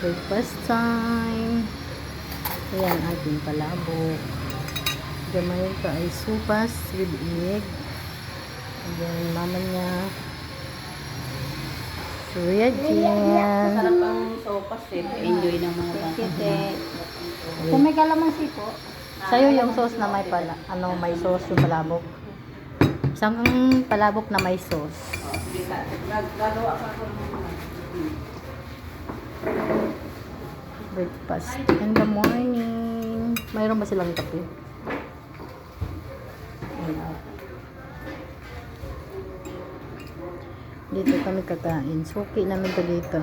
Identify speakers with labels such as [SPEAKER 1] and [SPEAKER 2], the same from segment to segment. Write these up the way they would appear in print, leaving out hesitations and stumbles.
[SPEAKER 1] Breakfast time. Ayan, ating palabok. Gamay ka ay supas with egg. Ayan, mama niya. Kuya Jen.
[SPEAKER 2] Sarap ang sopas eh. Enjoy ng mga bata.
[SPEAKER 3] Kung may kalamansi po,
[SPEAKER 1] Sa'yo yung sauce na may may sauce yung palabok. Isang palabok na may sauce.
[SPEAKER 2] Gagawa ka ako ng mga.
[SPEAKER 1] Breakfast in the morning. Mayroon ba silang kape? Ayan. Dito kami kakain. Suki namin to dito.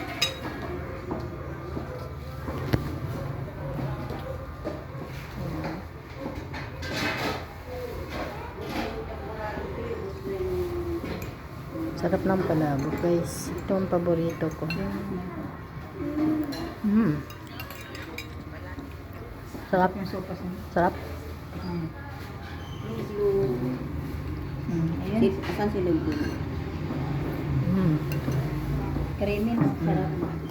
[SPEAKER 1] Sarap ng palabok, guys. Ito ang paborito ko. Sarap.
[SPEAKER 3] yung sopas niya.
[SPEAKER 1] Sarap.
[SPEAKER 3] Ayun,
[SPEAKER 2] Asan si Lugdun?
[SPEAKER 3] creamy no? Sarap.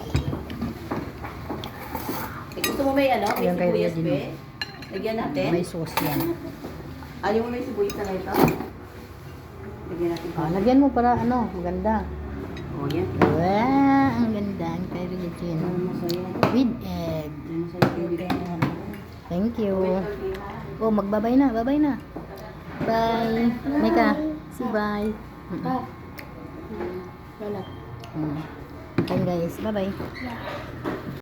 [SPEAKER 2] Gusto mo may ano? May
[SPEAKER 1] Ayan, kay
[SPEAKER 2] sibuyas
[SPEAKER 1] Regine.
[SPEAKER 2] be? Lagyan natin?
[SPEAKER 1] May sauce yan.
[SPEAKER 2] Ayaw mo may sibuyas na ito? Lagyan natin pa.
[SPEAKER 1] Lagyan mo para maganda.
[SPEAKER 2] Oh, yan.
[SPEAKER 1] Wow, ang ganda ang kay Regine.
[SPEAKER 2] Masaya.
[SPEAKER 1] With egg.
[SPEAKER 2] Masaya.
[SPEAKER 1] Thank you. Oh, magbabay na. Babay na. Bye. Mika, say bye.
[SPEAKER 3] Wala.
[SPEAKER 1] Ayan guys, bye-bye.